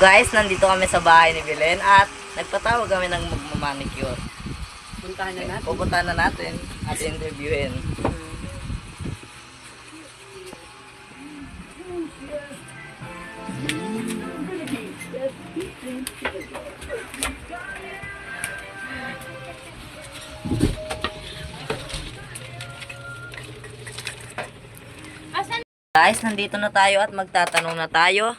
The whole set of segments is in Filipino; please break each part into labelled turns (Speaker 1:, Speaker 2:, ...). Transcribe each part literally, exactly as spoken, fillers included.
Speaker 1: Guys, nandito kami sa bahay ni Belen at nagpatawag kami ng magmamanicure.
Speaker 2: Puntahan na natin.
Speaker 1: Pupuntahan na natin at interviewin. Guys, nandito na tayo at magtatanong na tayo.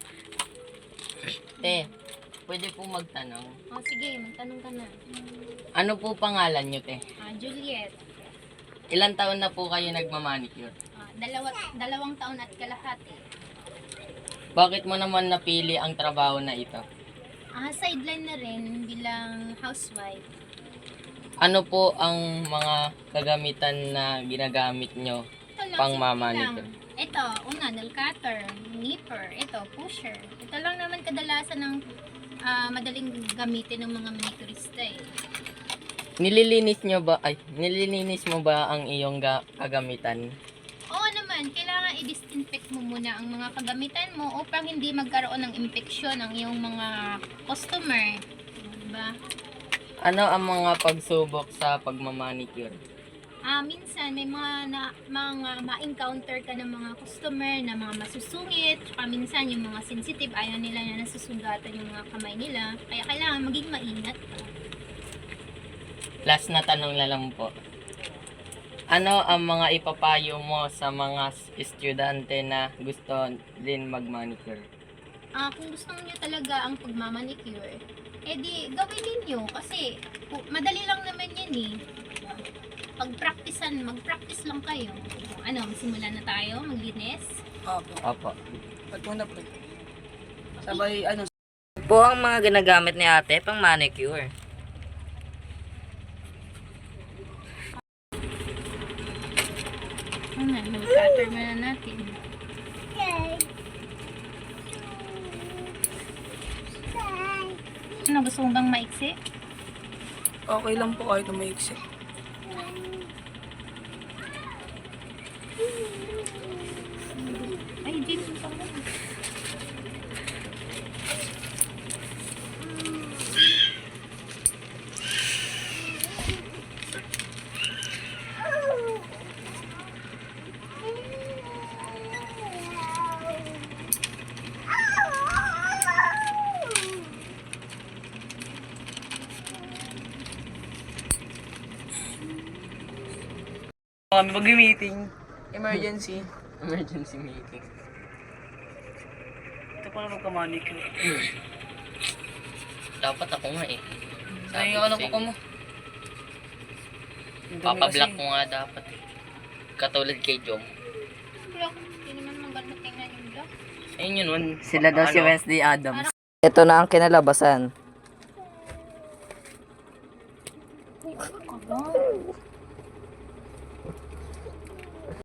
Speaker 3: Te, pwede po magtanong.
Speaker 4: O sige, magtanong ka na.
Speaker 3: Ano po pangalan nyo, te?
Speaker 4: Ah, Juliet,
Speaker 3: Ilan taon na po kayo nagmamanicure?
Speaker 4: ah, dalawa, dalawang taon at kalahati.
Speaker 3: Bakit mo naman napili ang trabaho na ito?
Speaker 4: Ah, sideline na rin bilang housewife.
Speaker 3: Ano po ang mga kagamitan na ginagamit nyo?
Speaker 4: Ito lang,
Speaker 3: Pang
Speaker 4: simple
Speaker 3: mamanicure.
Speaker 4: lang. Ito, una, nail cutter, nipper, ito, pusher. Ito lang naman kadalasan ng ah, madaling gamitin ng mga manicurista eh.
Speaker 3: Nililinis nyo ba, ay, nililinis mo ba ang iyong ga- kagamitan?
Speaker 4: Oo naman, kailangan i-disinfect mo muna ang mga kagamitan mo upang hindi magkaroon ng infeksyon ang iyong mga customer. Diba?
Speaker 3: Ano ang mga pagsubok sa pagmamanicure?
Speaker 4: Ah, minsan may mga na, mga ma-encounter ka ng mga customer na mga masusungit, tsaka minsan yung mga sensitive, ayaw nila na nasusugatan yung mga kamay nila. Kaya kailangan maging maingat ka.
Speaker 3: Last na tanong na lang po. Ano ang mga ipapayo mo sa mga estudyante na gusto din magmanicure?
Speaker 4: Ah, kung gusto niyo talaga ang pagmamanicure, edi gawin ninyo kasi pu- madali lang naman yan eh. Pag-practicean, mag-practice lang kayo. Ano, simulan na tayo, maglinis.
Speaker 2: Opo.
Speaker 3: Opo.
Speaker 2: At muna po. Sabay, ano,
Speaker 1: Po ang mga ginagamit ni ate pang manicure.
Speaker 4: Ano, mag-cutter muna natin. Ano, gusto mo bang maiksi?
Speaker 2: okay lang po kahit umaiksi.
Speaker 4: Ay, James, gusto mo.
Speaker 2: Kami mag-meeting. Emergency.
Speaker 3: Emergency meeting.
Speaker 2: Ito pala magka-manicure.
Speaker 3: Dapat ako nga eh.
Speaker 2: Ay, ano
Speaker 3: ko
Speaker 2: ko mo?
Speaker 3: Papablock mo nga dapat eh. Katulad kay Jom.
Speaker 4: Block, hindi naman maganda tingnan yung block.
Speaker 3: Ayun yun, one.
Speaker 1: Sila daw si
Speaker 3: Ano?
Speaker 1: Wednesday Adams. Ito na ang kinalabasan.